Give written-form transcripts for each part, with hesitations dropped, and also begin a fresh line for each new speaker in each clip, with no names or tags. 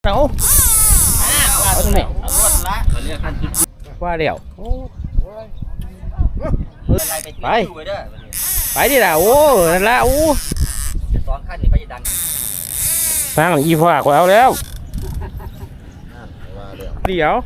เอาเอาตรงไหนว่าเดี๋ยวไปไปดิล่ะโอ้นั่นละโอ้สองขั้นนี่ไปดังสร้างอีฟ้าก็เอาแล้วเดี๋ยว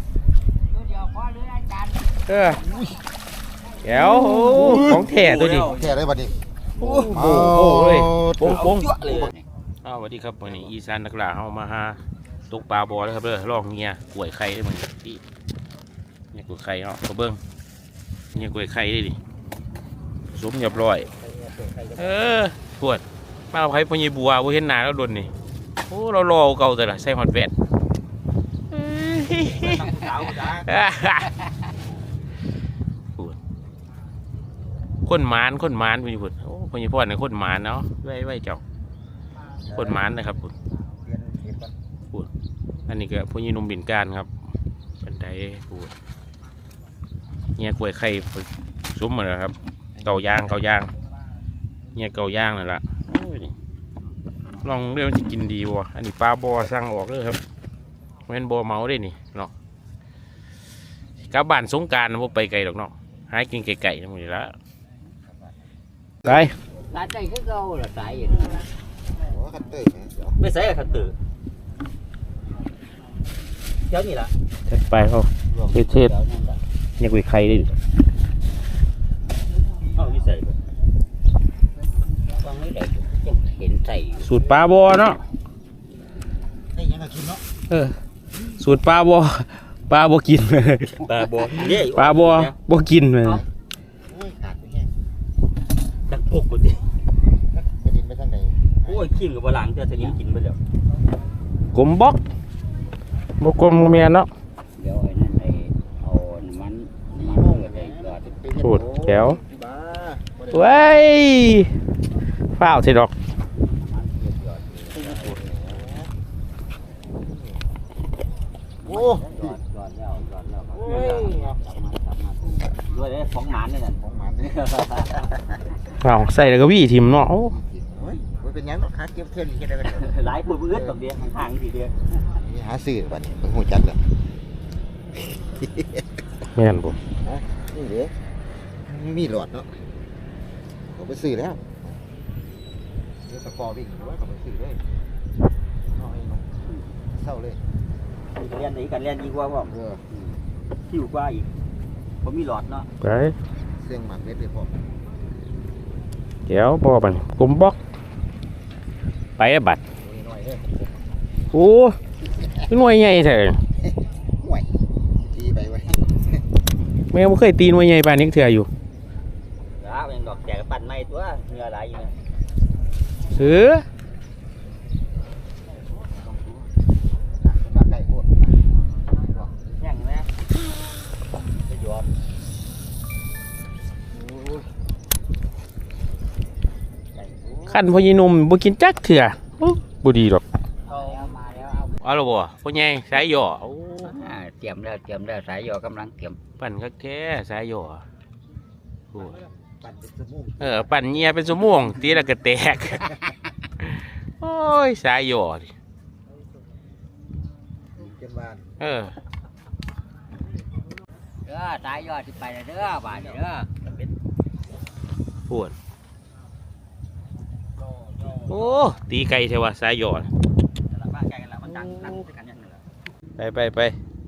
เดี๋ยวของแท้ตัวดิ
แท้เลยบัดนี้
โอ้โหเลยโป่งเลยสวัสดีครับวันนี้อีสานนักล่าเอามาหาตกปลาบอแล้วครับเด้อลอกเงี้ยกล้วยไข่ได้เหมือนที่เนี่ยกล้วยไข่เอาเบิ้งเนี่ยกล้วยไข่ได้ดิสมเรียบร้อยปวดมาเอาไข่พญบัวว่าเห็นหนาแล้วโดนนี่โอ้เรารอเก่าแต่ละใส่หอดแวดคนหมานพญพุทธโอ้พญพ่อเนี่ยคนหมานเนาะไว้เจ้าคนหมานนะครับพูดอันนี้ก็พญนุ่มบินการครับเป็นไดพูดเนี่ยกล้วยไข่ซุ้มมาแล้วครับเก่าย่างเนี่ยเก่าย่างนั่นแหละลองเรื่องจะกินดีวะอันนี้ปลาบอสั่งออกเลยครับเป็นบอเมาได้นี่เนาะกับบ้านสงการพวกไปไกลหรอกเนาะหากินไก่ทั้งหมดแล้วไป
ตายใจคือเก่าหรอตายอย่างนี้ไม่ใช่ขัดตือเจ้านี่ล่ะ
ไปเขาเทศเนี่ยกุยไข่ได้ดิ
เอาวิสัยฟังไม่ได้จะเห็นใส่
สูตรปลาบอเนาะ
ได้ยังกินเนาะ
สูตรปลาบอกิน
ปลาบอ
กินเลย
ดักปกกูดิ
จะกินไปทางไหน
โอ้ยขี้กับบะหลังเจอสนิมกินไปแล้ว
กลมบกกลมเมียเนาะ
เดี๋ยวไอ้นั่นไอ้เอามันไอ้กอด
สูตรแก้วเว้ยฝ้าวสิดอก
โอ้
จอดแล้วด้วยเลยของหมานนี่แหละ
ของหมัน
ฝ้าวใส่แล้วก็วี่ทิมเนาะ
มันเป็นยังเนาะหาเก็บเท่านี้แค่ได้กัน
หลายปื้ดตบเดียวห่างๆทีเดียว
หาซื้อบัดนี้เพิ่งหูจักเลย
แม่นบ่
นี่เด้มีหลอดเนาะเขาไปซื้อแล้วเดี๋ยวตะกอวิ่งหรือว่าเขาไปซื้อเลยเศร้าเลย
เรียนไหนกันเรียนดีกว่าบ่คิวกว่าอีกผมมีหลอดเนาะ
ไป
เสียงหมักเม็ดเลยพ่อ
เดี๋ยวพอปันกลมบกไปบัดโอ้หน่วยใหญ่เถอะ
ห่วยตีไปไว้
แม่ไม่เคยตีหน่วยใหญ่ปานนี้เถื่ออยู่
เป็นดอกแจกปั่นไม้ตัวเนื้ออะไรอยู่
ซื้อ
ไก่โคตร
ยังนะจะหยอด
ขั้นพญินุ่มบุกินจักเถื่อบุดีหรอกเอาละบ่พ่อใหญ่สายหย่อ
เตรียมแล้วสายหย่อกำลังเตรียม
ปั่นคักแท้สายหย่อปั่นเงียเป็นสม่วงตีแล้วก็แตกโอ้ยสายหย่อ
สายหย่อที่ไปเด้อบาดเด้อ
ปวดโอ้ตีไก่ใช่ว่าสายหย่อไป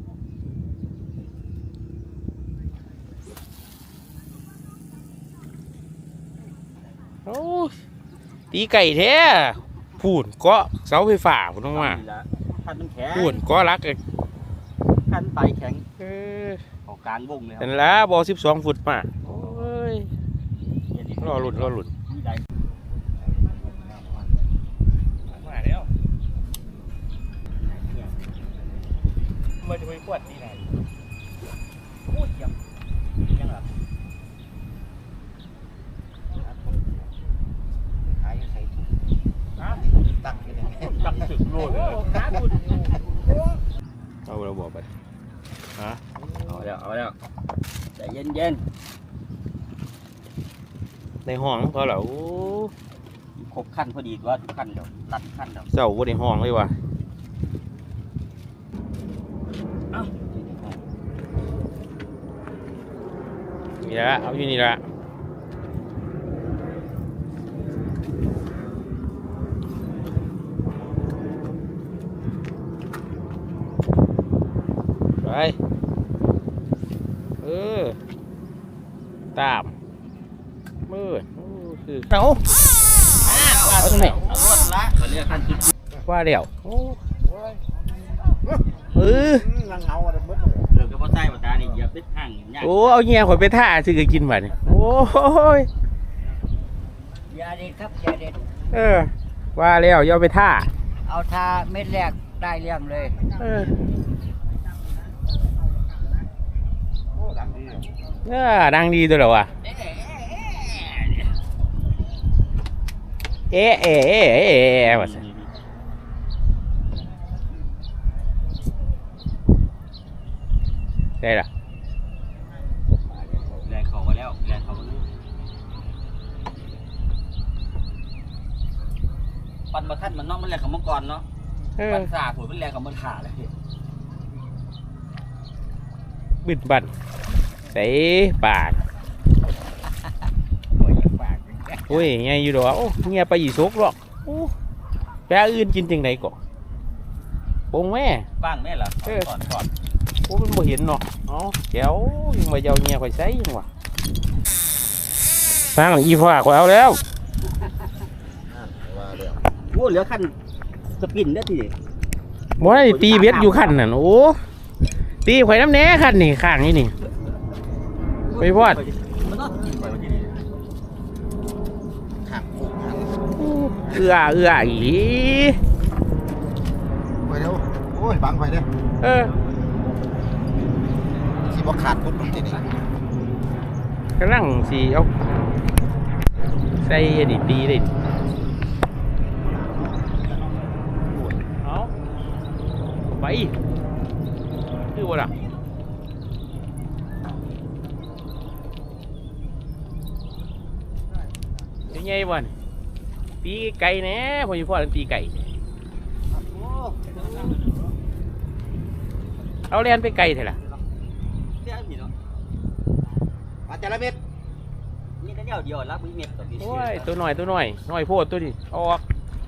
โอ้ตีไก่แท้พูนเกาะเสาไฟฟ้าพูนต้องมาพูนเกาะรักเลย
ขั้นไตแข็งของกลางวงเลย
แต่ละบอ12 ฟุตมาโอ้ยรอหลุดมาแล้วมันจะไปขวดที่ไหน
โอ้ยยังหรอ
หายใส่ถุงตั้งกันเลย
ตั้งถึงโลดเลยเอาเราบอกไปฮะ
เอาแล้วใจเย็น
ในห้องเขาเหรอ
ครบขั้นพอดีว่าทุกขั้นเดี๋ยวรัดขั้นเดี๋ยว
เสาบนในห้องเลยว่ะนี่ละเอาอยู่นี่ละไปตามมืดคือเอาว่าตรงไหน
เอารวดละเขาเรียกขั้นจุด
ว่าเดี๋ยว
นั่งเงาอะไรมืดเลย
เรื่องกระเพาะไส้ปตานี่อย่าไปห่างยาก
โอ้เอาเงี้ยข่อยไปท่าซื้อกินบ่เนี่ยโอ้ย
ยาเด็ดครับยาเด็ด
ว่าแล้วอย่าไปท่า
เอาทาเม็ดแรกได้เรื่องเลย
โอ้ดังดี
ดังดีตัวเหรอวะเอ๊ะว่าสิได้ละ
แรงเขามาแล้วแรงเขามาแล้วปันมาท่านมันเนาะมันแรงของมังกรเนาะปันสาผุนมันแรงของมันขาเลย
บิดบันใส่ปาก
โอ้ยปาก
โอ้ยไงอยู่ดอกโอ้เงียไปอีสกหรอกโอ้แปลอื่นกินจังไดก่อนปงแม่
บ้างแม่เหรอก่อน
โอ้มันบ่เห็นเนาะอ๋อแก้วยังมาเยาเงียข่อยใส่ยังวะฟังอีฟ้าข่อยเอาแล้ว
ว่าแล้ว
โอ้เหลือขั้นสปินได้ที
บ่ได้ตีเบ็ดอยู่คันนั่นโอ้ตีข่อยน้ำแหน่คันนี่ข้างนี่นี่ไปพอด
มันต้องกินไปวันนี้
ข้างคู่ข้าง
เอื้ออี
ไปเร็วโอ้ยบังไปเนี่ย ที่บ่ขาดปุ๊บที่นี่
กำลังสิเอาใส่อันนี้ตีเลยเอาไปคือบ่ล่ะเป็นไงบ่นี่ตีไก่แหน่พ่ออยู่พ่อตีไก่เอาเรียนไปไก่เถอะล่ะ
เดี๋ยวมีเนาะ
มาแต่ละเม็ด
นี่แต่เดียวรับมือเม็ดต่อปี
โอ้ยตัวหน่อยโพดตัวนี้ออก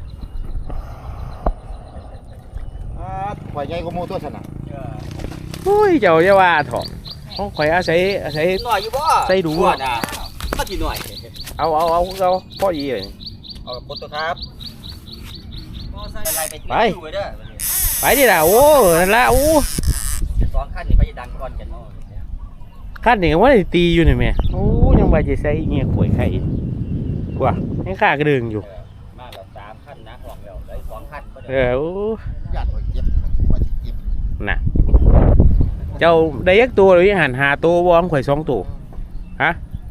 ข่อยใหญ่กว่าหมู่ตัวฉันน่ะ
โอ้ยเจ้าจะว่าเถอะของข่อยอาศัย
หน่อยอยู่บ่ก็จีหน่อย
เอาพ่อยีเลย
เอาปตครับอะไรไป
ไปดิล่ะโอ้นั่นละโอ้
สองขั้นนี่ไปดังก่อนกันเนาะ
ขั้นนี้ว่าได้ตีอยู่นี่แม่โอ้ยังไปจะใส่เงี้ยข่อยไข่กว่ายังข้ากระดึงอยู่
มาแล้ว3ขั้นนะของเราได้2ขั้นก็ได้
โอ้
ญาติข่อยเจ็บว่าสิเจ็บ
น่ะเจ้าได้ยักตัวหรือหันหาตัวบอมข่อย2ตัวฮะ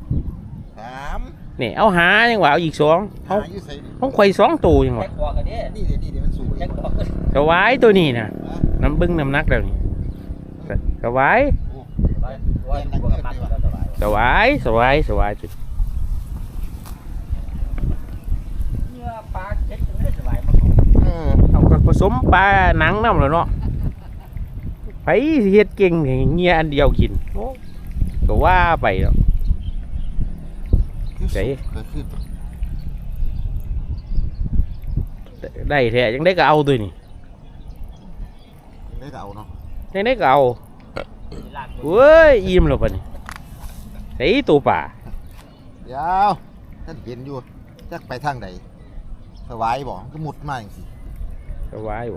3
นี่เอาหายังว่าเอาอีก2เอา
อยู่ไสนี่
ของข่อย2ตัวยัง
แท็
ว่าก
คอกันดิ
นี่เดี๋ยวมันสูง
แท็กคอกัน
สวายตัวนี้น่ะน้ำบึ้งน้ำนักแล้วนี่สวาย
ว่าตัวกับมันแล้วสบาย
สวายจุด
เนื้อปลาเช็ดกันได้สบายมาก
เอาก็ผสมปลาหนังน้ำแล้วเนาะไปสิเฮ็ดเก่งให้เงี้ยอันเดียวกินโอ้ก็ว่าไปเนาะ
เกิดขึ้น
ได้แท้ยังได้ก็เอาตัวนี้
ได้ก็เอาเนาะ
ยังได้ก็เอาเว้ยอิ่มแล้วปะนี่ไอ้ตัวป่า
เดี๋ยวท่านเห็นอยู่จักไปทางใดสวายบ่ก็มุดมาจังซี่
สวายบ่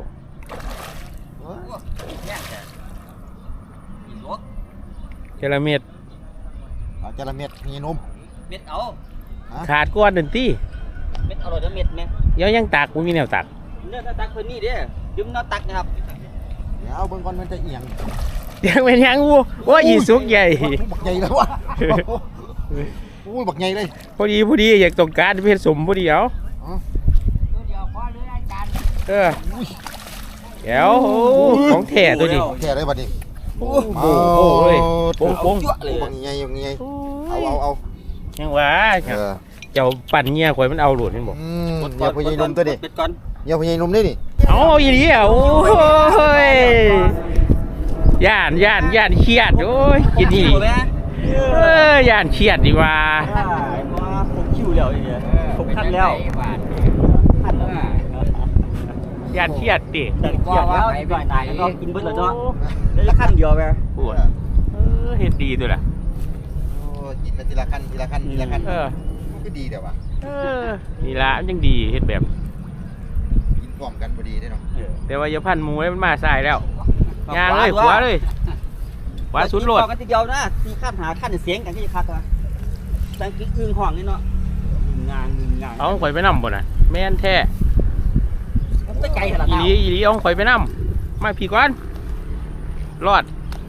เนี่ยแต่กินลวก
เจระเม็ด
เอาจระเม็ดมีนม
เม็ดเอา
ขาดก้อนหนึ่งที่
เม็ดเอาเลยเม็ดไหม
ยังตักไม่มีแนวตัก
เนื้อตักเพิ่นนี่เด้ยืมเนื้อตักนะครับ
เดี๋ยวเบิ่งก่อนมันจะเอียง
ยังเป็นยังวัวว่าอีสุกใหญ่
บักใหญ่แล้ววะโอ้ยบักใหญ่เลย
พอดีอยากต้องการเพชรสมพอดีเอา
ตัวเดียวพอเลยอาจารย์
เดี๋ยวของแท้ตัวนี้
แค่ได้บัดนี้
โอ้โหเลยโป่ง
จั่วเลย
บักใหญ่บักใหญ่เอา
ยังว่าเจ้าปั่นเงี้ยข่อยมันเอาหลุดนี่บอก
เดี๋ยวพญายนมตัวนี้
เม็ดก่อน
เดี๋ยวพญายนมนี่นี่
เอาอีนี้อ่ะโอ้ยย่านเครียดโอ้ยกินนี่ย่านเครียดดีว่า
ว่าผมคิวแล้วเนี่ยผมคันแล้วคันแล้ว
ย่านเครียดดิ
แต่เกียดแล้วอีกหน่อยตายแล้วก็กินเบิดแล้วเนาะแล้วจะขั้นเดียวไป
ปวดเฮ็ดดีตัวล่ะ
โอ้กินมาทีละขั้นทีละขั้นทีละขั้น มันก็ดีเดี๋ยววะ
นี่ละมันยังดีเฮ็ดแบบ
กินพร้อมกันพอดีได้เนาะ
แต่ว่าอย่าพันหมูให้มันมาใส่แล้วยางเลยขวาเลยขวาสุดโหลด
กันทีเดียวนะตีขั้นหาขั้นเสียงกันที่คักว่ะจังกิ๊กอึ้งห้องนี่เนาะงาน
เอาข่อยไปนำบ่น่ะแม่นแท้
มันไปไกลขนาด
อี
นั้น
หลีอีหลีเอาข่อยไปนำมาพี่ก่อนรอด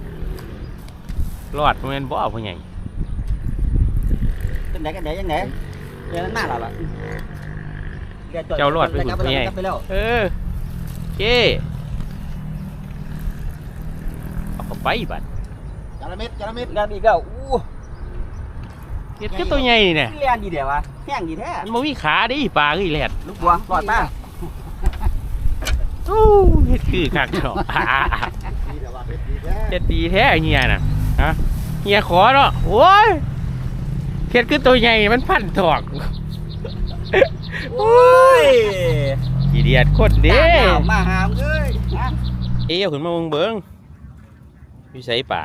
บ่แม่นบ่พ่อใหญ่
กันไหนยังไงเดี๋ยวหน้าเราล่ะ
เจ้ารอดไปพุ่นพ่อใหญ่
ไปแล้ว
โอเคเอาเข้าไปบัด
จาระเม็ดจาระเม็ด
งานอีกแล้วอู้
เฮ็ดคือตัวใหญ่นี่แหละ
เรียนดีเดี๋ยววะแห้งดีแท้
มันบ่มีขาดิปลาคือแหลด
ลูกบัวรอดมา
อู้เฮ็ดคือคักเนาะ
ดีเดี๋ยววะเม็ดดีแท้
เฮ็ดดีแท้เฮียน่ะฮะเฮียขอเนาะโอ้ยเฮ็ดคือตัวใหญ่มันพันถอก
โอ้ย
ขี้เดียดโคตรเด้
มาหามเลย
เอ้ยเอาขึ้นมาเบิ่งอยู่ไสป่า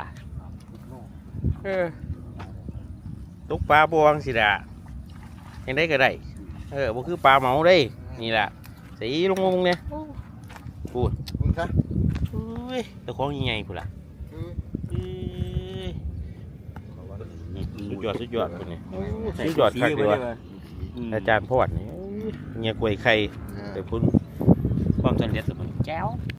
ตกปลาบวงสิล่ะยังได้ก็ได้บ่คือปลาเหมาเด้นี่ล่ะสีลงเนี่ยพูด
มึงซะ
อุ้ยตัวของใหญ่ๆพุ่นล่ะสุดยอดพุ่นนี่สุดยอดคักดีว่ะอาจารย์พอดนี่เงี้ยกล้วยไข่แต่พุ่นความสำเร็จสุดมันแจ๋ว